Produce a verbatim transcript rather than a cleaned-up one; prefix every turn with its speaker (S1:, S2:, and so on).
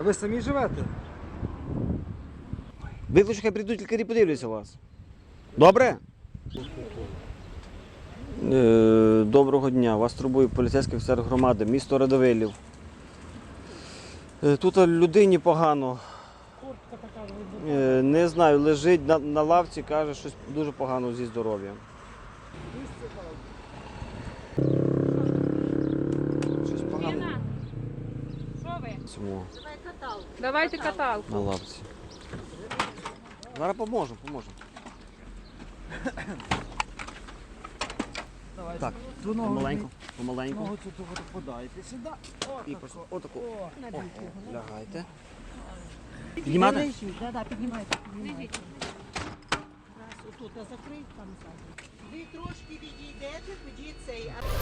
S1: Ви самі живете?
S2: Викличу, хай прийдуть лікарі, подивляться вас. Добре? Е, Доброго дня. Вас турбує поліцейський офіцер громади, місто Радивилів. Е, Тут людині погано. Е, Не знаю, лежить на, на лавці, каже, щось дуже погано зі здоров'ям. Щось погано.
S3: Що ви?
S2: Цьому,
S3: Давайте каталку.
S2: на лавці. Зараз поможемо, поможемо. Так, помаленьку, помаленьку.
S1: Ногу цю тут подайте сюди.
S2: І просто отаку. О, лягайте. Піднімати?
S4: Лежіть, да, да, піднімайте, піднімайте. Раз, отут, а закрий там ззаду. Ви трошки відійдете, тоді цей.